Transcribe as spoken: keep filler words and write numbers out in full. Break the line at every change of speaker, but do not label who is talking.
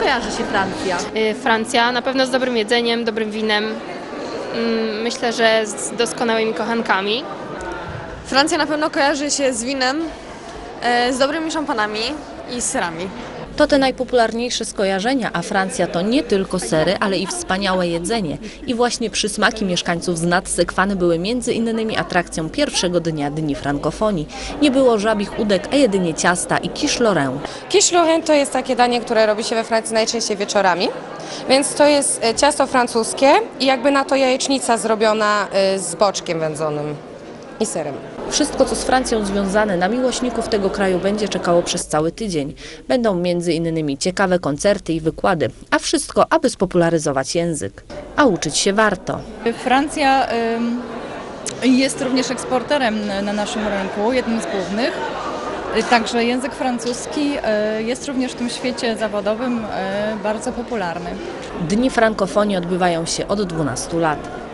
kojarzy się Francja?
Francja na pewno z dobrym jedzeniem, dobrym winem. Myślę, że z doskonałymi kochankami.
Francja na pewno kojarzy się z winem, z dobrymi szampanami i serami.
To te najpopularniejsze skojarzenia, a Francja to nie tylko sery, ale i wspaniałe jedzenie. I właśnie przysmaki mieszkańców z Nadsekwany były między innymi atrakcją pierwszego dnia Dni Frankofonii. Nie było żabich udek, a jedynie ciasta i quiche Lorraine.
Quiche Lorraine to jest takie danie, które robi się we Francji najczęściej wieczorami. Więc to jest ciasto francuskie i jakby na to jajecznica zrobiona z boczkiem wędzonym i serem.
Wszystko, co z Francją związane, na miłośników tego kraju będzie czekało przez cały tydzień. Będą między innymi ciekawe koncerty i wykłady, a wszystko, aby spopularyzować język. A uczyć się warto.
Francja jest również eksporterem na naszym rynku, jednym z głównych. Także język francuski jest również w tym świecie zawodowym bardzo popularny.
Dni Frankofonii odbywają się od dwunastu lat.